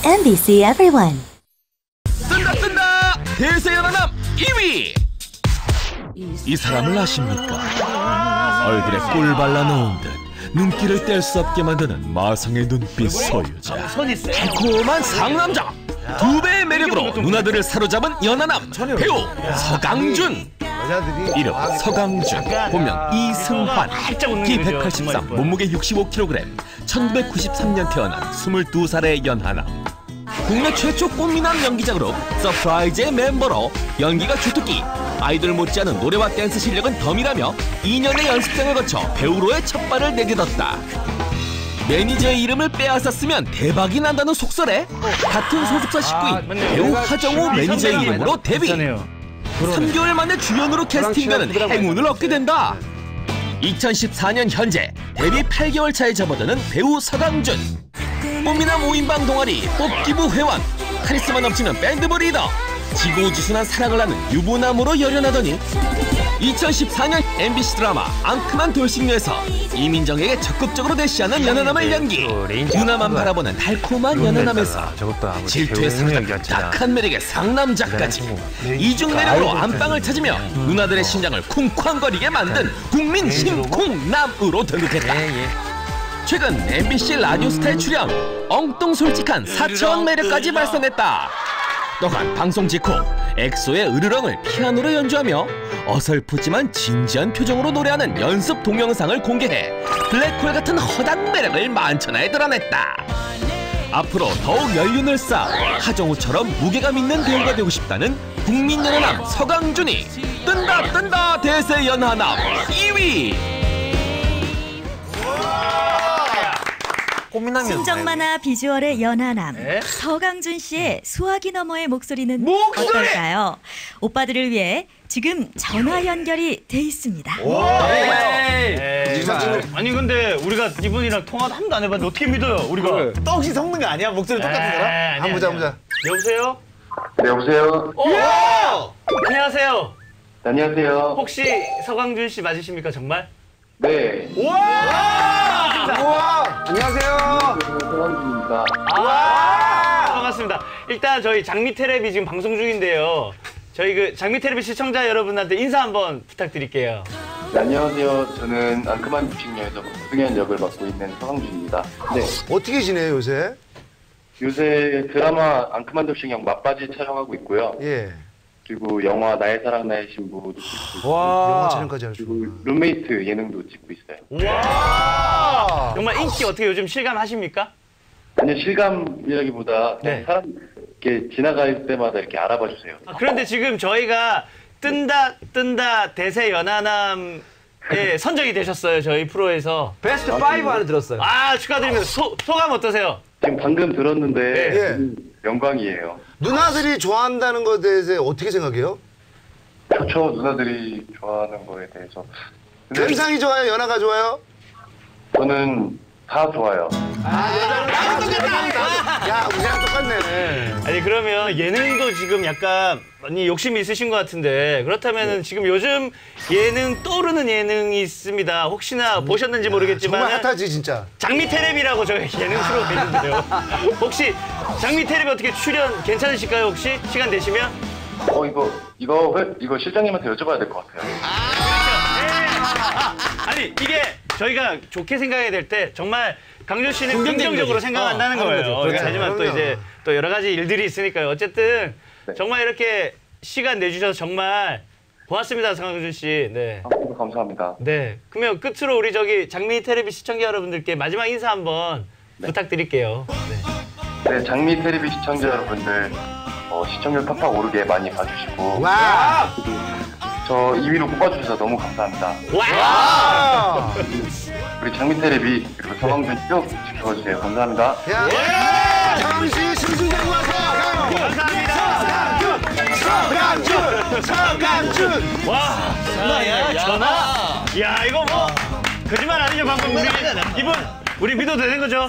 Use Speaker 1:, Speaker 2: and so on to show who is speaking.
Speaker 1: MBC Everyone.
Speaker 2: 뜬다 대세연하남 2위. 이 사람을 아십니까? 얼굴에 꿀 발라 넣은 듯 눈길을 뗄 수 없게 만드는 마성의 눈빛 소유자, 달콤한 상남자, 두 배의 매력으로 누나들을 사로잡은 연하남 배우 서강준. 이름 서강준, 본명 이승환, 키 183, 몸무게 65kg, 1993년 태어난 22살의 연하남. 국내 최초 꽃미남 연기자 그룹 서프라이즈의 멤버로 연기가 주특기, 아이돌 못지않은 노래와 댄스 실력은 덤이라며 2년의 연습생을 거쳐 배우로의 첫 발을 내딛었다. 매니저의 이름을 빼앗았으면 대박이 난다는 속설에 같은 소속사 식구인 배우 하정우 매니저의 이름으로 데뷔. 3개월 만에 주연으로 캐스팅되는 행운을 얻게 된다. 2014년 현재 데뷔 8개월 차에 접어드는 배우 서강준. 꽃미남 5인방 동아리 뽑기부 회원, 카리스마 넘치는 밴드부 리더, 지고지순한 사랑을 하는 유부남으로 열연하더니 2014년 MBC 드라마 앙큼한 돌싱녀에서 이민정에게 적극적으로 대시하는 연하남을 연기. 누나만 바라보는 달콤한 연하남에서 질투의 상남, 딱한 매력의 상남자까지 이중 매력으로 안방을 찾으며 누나들의 심장을 쿵쾅거리게 만든 국민 심쿵남으로 등극했다. 최근 MBC 라디오스타에 출연, 엉뚱솔직한 사차원 매력까지 발산했다. 또한 방송 직후 엑소의 으르렁을 피아노로 연주하며 어설프지만 진지한 표정으로 노래하는 연습 동영상을 공개해 블랙홀 같은 허당 매력을 만천하에 드러냈다. 앞으로 더욱 연륜을 쌓아 하정우처럼 무게감 있는 배우가 되고 싶다는 국민 연하남 서강준이 뜬다 대세 연하남 2위.
Speaker 1: 순정 만화 비주얼의 연하남 서강준 씨의 수화기 너머의 목소리는 어떨까요? 오빠들을 위해 지금 전화 연결이 돼 있습니다.
Speaker 3: 아니 근데 우리가 이분이랑 통화도 한 번도 안 해봤는데 어떻게 믿어요? 우리가
Speaker 4: 떡이 섞는 거 아니야? 목소리 똑같은 사람? 한번 보자.
Speaker 3: 여보세요?
Speaker 5: 네, 여보세요?
Speaker 3: 안녕하세요.
Speaker 5: 안녕하세요.
Speaker 3: 혹시 서강준 씨 맞으십니까 정말?
Speaker 5: 네.
Speaker 4: 안녕하세요.
Speaker 5: 서강준입니다.
Speaker 3: 반갑습니다. 일단 저희 장미 텔레비 지금 방송 중인데요. 저희 그 장미 텔레비 시청자 여러분한테 인사 한번 부탁드릴게요.
Speaker 5: 네, 안녕하세요. 저는 앙큼한 돌싱녀에서 승현 역을 맡고 있는 서강준입니다. 네.
Speaker 4: 어떻게 지내요, 요새?
Speaker 5: 요새 드라마 앙큼한 돌싱녀 막바지 촬영하고 있고요.
Speaker 4: 예.
Speaker 5: 그리고 영화 나의 사랑 나의 신부도 찍고 있고.
Speaker 4: 영화 촬영까지
Speaker 5: 그리고
Speaker 4: 하시고.
Speaker 5: 룸메이트 예능도 찍고 있어요.
Speaker 3: 와! 정말 인기 어떻게 요즘 실감하십니까?
Speaker 5: 아니요, 실감이라기보다
Speaker 3: 네.
Speaker 5: 사람 이렇게 지나갈 때마다 이렇게 알아봐 주세요.
Speaker 3: 그런데 지금 저희가 뜬다 대세 연하남에 선정이 되셨어요. 저희 프로에서.
Speaker 4: 베스트 5 안에 들었어요.
Speaker 3: 축하드립니다. 소감 어떠세요?
Speaker 5: 지금 방금 들었는데
Speaker 4: 예.
Speaker 5: 영광이에요.
Speaker 4: 누나들이 좋아한다는 것에 대해서 어떻게 생각해요?
Speaker 5: 좋죠, 누나들이 좋아하는 거에 대해서. 근데
Speaker 4: 현상이 좋아요? 연하가 좋아요?
Speaker 5: 저는 다 좋아요.
Speaker 4: 야, 우리랑 똑같네.
Speaker 3: 아니 그러면 예능도 지금 약간 많이 욕심이 있으신 것 같은데 그렇다면 지금 요즘 예능 떠오르는 예능이 있습니다. 혹시나 보셨는지 모르겠지만
Speaker 4: 정말 핫하지 진짜.
Speaker 3: 장미 텔레비라고 저희 예능 프로가 있는데요. 혹시 장미 텔레비 어떻게 출연 괜찮으실까요? 혹시 시간 되시면?
Speaker 5: 이거 실장님한테 여쭤봐야 될 것 같아요.
Speaker 3: 아니 이게 저희가 좋게 생각해야 될 때 정말 강준 씨는 긍정적으로 생각한다는 거예요.
Speaker 4: 그렇죠.
Speaker 3: 하지만 또 이제 또 여러 가지 일들이 있으니까요. 어쨌든
Speaker 5: 네.
Speaker 3: 정말 이렇게 시간 내주셔서 정말 고맙습니다, 강준 씨. 네.
Speaker 5: 감사합니다.
Speaker 3: 네. 그러면 끝으로 우리 저기 장미 텔레비 시청자 여러분들께 마지막 인사 한번 부탁드릴게요.
Speaker 5: 네, 장미 텔레비 시청자 여러분들 시청률 팍팍 오르게 많이 봐주시고
Speaker 4: 와!
Speaker 5: 저 2위로 뽑아주셔서 너무 감사합니다.
Speaker 3: 와!
Speaker 5: 우리 장미 텔레비 그리고 서강준 쭉 지켜주세요. 감사합니다.
Speaker 4: 야! 장씨 승승장구 하세요!
Speaker 3: 감사합니다.
Speaker 4: 서강준!
Speaker 3: 와! 전화! 야, 이거 뭐 거짓말 아니죠, 방금 우리 이분 우리 믿어도 되는 거죠?